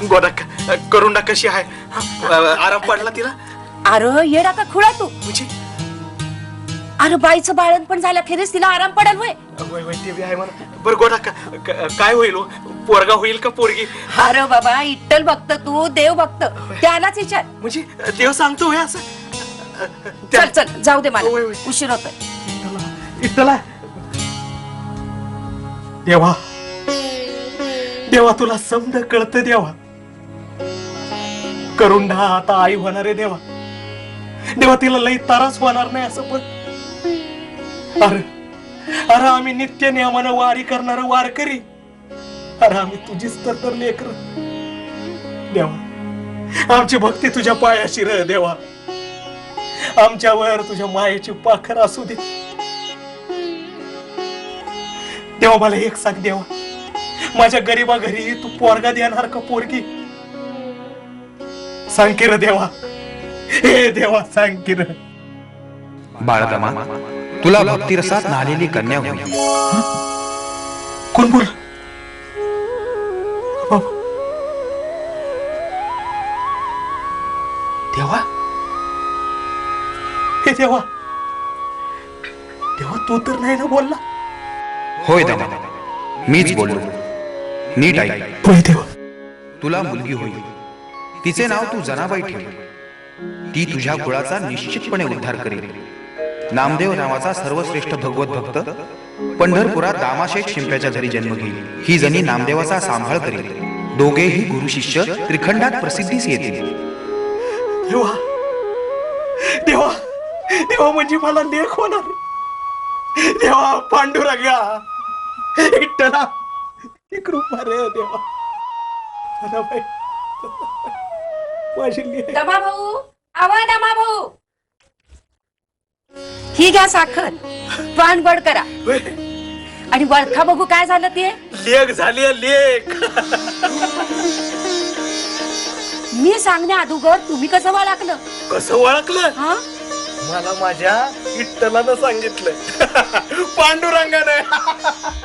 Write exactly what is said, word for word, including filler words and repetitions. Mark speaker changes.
Speaker 1: गोदा करुंडा कशी आहे? आराम पडला तिला?
Speaker 2: अरे येडा का खुळा तू?
Speaker 1: म्हणजे
Speaker 2: अरे बाईचं बाळण पण झालं खेरीस तिला आराम पडल होय?
Speaker 1: वय वय ते बी आहे म्हणा. बरं गोदा काय होईल? पोरगा होईल का पोरगी?
Speaker 2: अरे बाबा इट्टल भक्त तू देव भक्त त्यालाच विचार.
Speaker 1: म्हणजे देव सांगतो होय असं?
Speaker 2: चल चल जाऊ दे मला
Speaker 1: होय, होय.
Speaker 2: उशीर होतोय.
Speaker 1: इतला देवा देवा तुला समज कळत देवा. करुंडा आता आई होणार आहे देवा. देवा तिला लई त्रास होणार नाही असं पण. अरे अरे आम्ही नित्य नियमानं वारी करणार वारकरी. अरे आम्ही तुझीच तर तर लेकर देवा. आमची भक्ती तुझ्या पायाशी रह देवा. आमच्यावर तुझ्या मायेची पाखर असू दे देवा. मला एक सांग देवा, माझ्या गरीबा घरी तू पोरगा देणार का पोरगी? सांग की र देवा. हे देवा सांग की र.
Speaker 3: बाळदमा तुला भक्तिरसात न्हालेली कन्या होईल.
Speaker 1: कोण बोल? देवा हे देवा देवा तू तर नाही ना बोलला?
Speaker 3: होय दमा मीच बोललो. नीट ऐक.
Speaker 1: होय देवा.
Speaker 3: तुला मुलगी होईल. तिचे नाव तू जनाबाई ठेव. ती तुझ्या कुळाचा निश्चितपणे उद्धार करेल. नामदेव नावाचा सर्वश्रेष्ठ भगवत भक्त पंढरपुरात दामाशेठ शिंप्याच्या घरी जन्म घेईल. ही जणी नामदेवाचा सांभाळ करेल. दोघेही गुरु शिष्य त्रिखंडात प्रसिद्धीस येतील.
Speaker 1: देवा देवा देवा म्हणजे मला लेख होणार देवा. पांडुरंगा विठ्ठला ही कृपा रे देवा. जनाबाई माझी लेक.
Speaker 2: दमा भाऊ आवा दमा भाऊ ही घ्या साखर पान बड करा
Speaker 1: होय.
Speaker 2: आणि वळखा बघू काय झालं ते.
Speaker 1: लेख झाली आहे, लेख.
Speaker 2: मी सांगण्या अगोदर तुम्ही कसं वळखलं?
Speaker 1: कसं ओळखलं?
Speaker 2: हा
Speaker 1: मला माझ्या विठ्ठलानं सांगितलं. पांडुरंगानं.